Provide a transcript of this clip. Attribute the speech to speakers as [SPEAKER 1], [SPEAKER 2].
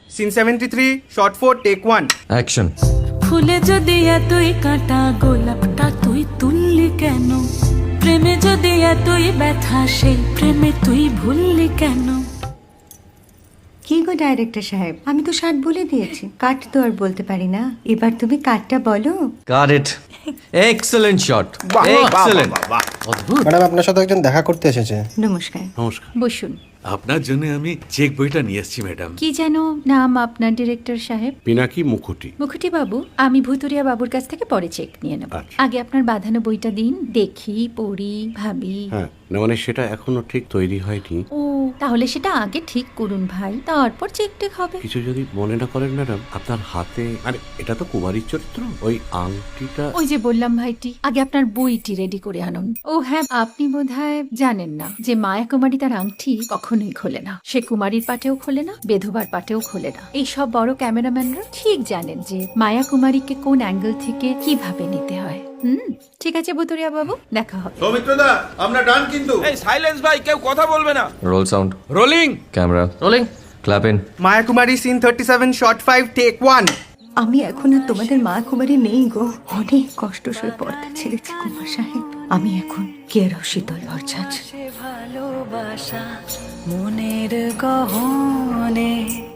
[SPEAKER 1] Scene 73, short 4, take 1.
[SPEAKER 2] Action.
[SPEAKER 3] ফুলে যদি এতই কাঁটা গোলাপটা তুই তুললি কেন? প্রেমে যদি এতই ব্যথা সেই প্রেমে তুই ভুললি কেন?
[SPEAKER 4] কি গো ডাইরেক্টর সাহেব, আমি তো 60 বলে দিয়েছি, কাট তো আর বলতে পারি না, এবার তুমি কাটটা বলো।
[SPEAKER 2] Got it. Excellent shot, excellent. অদ্ভুত।
[SPEAKER 5] ম্যাডাম আপনার সাথে একজন দেখা করতে এসেছে।
[SPEAKER 4] নমস্কার।
[SPEAKER 6] নমস্কার।
[SPEAKER 7] বসুন।
[SPEAKER 6] আপনার জন্য আমি চেক বইটা নিয়ে এসেছি ম্যাডাম।
[SPEAKER 7] কি যেন নাম আপনার ডিরেক্টর সাহেব?
[SPEAKER 6] পিনাকি মুখোটি।
[SPEAKER 7] মুখুটি বাবু, আমি ভুতুরিয়া বাবুর কাছ থেকে পরে চেক নিয়ে নেব।
[SPEAKER 6] আচ্ছা।
[SPEAKER 7] আগে আপনার বাঁধানো বইটা দিন, দেখি, পড়ি, ভাবি।
[SPEAKER 6] হ্যাঁ, না মানে সেটা এখনো ঠিক তৈরি হয়নি।
[SPEAKER 7] ও, তাহলে সেটা আগে ঠিক করুন ভাই, তারপর চেক টেক হবে।
[SPEAKER 6] কিছু যদি মনে না করেন ম্যাডাম, আপনার হাতে, আরে এটা তো কুমারীর চরিত্র, ওই আংটিটা।
[SPEAKER 7] ওই যে বললাম ভাইটি, আগে আপনার বইটি রেডি করে আনুন। ও হ্যাঁ, আপনি বোধহয় জানেন না যে মায়া কুমারী তার আংটি কখনোই খোলে না। সে কুমারীর পাটেও খোলে না, বেধবার পাটেও খোলে না। এই সব বড় ক্যামেরাম্যানরা ঠিক জানেন যে মায়া কুমারীকে কোন অ্যাঙ্গেল থেকে কিভাবে নিতে হয়। ঠিক আছে ভুতুরিয়া বাবু, দেখা হবে।
[SPEAKER 8] সৌমিত্রদা, আমরা ডান কিন্তু।
[SPEAKER 9] এই সাইলেন্স ভাই, কেউ কথা বলবে না।
[SPEAKER 2] Roll sound,
[SPEAKER 9] rolling.
[SPEAKER 2] Camera rolling, clap in.
[SPEAKER 1] Maya Kumari, scene 37, shot 5, take 1.
[SPEAKER 4] আমি এখন আর তোমাদের মা কুমারী নেই গো, অনেক কষ্ট সয়ে পর্দা ছেড়েছি কুমার সাহেব। আমি এখন কেরও শীতল ভরছাছ।
[SPEAKER 3] ভালোবাসা মনের গহনে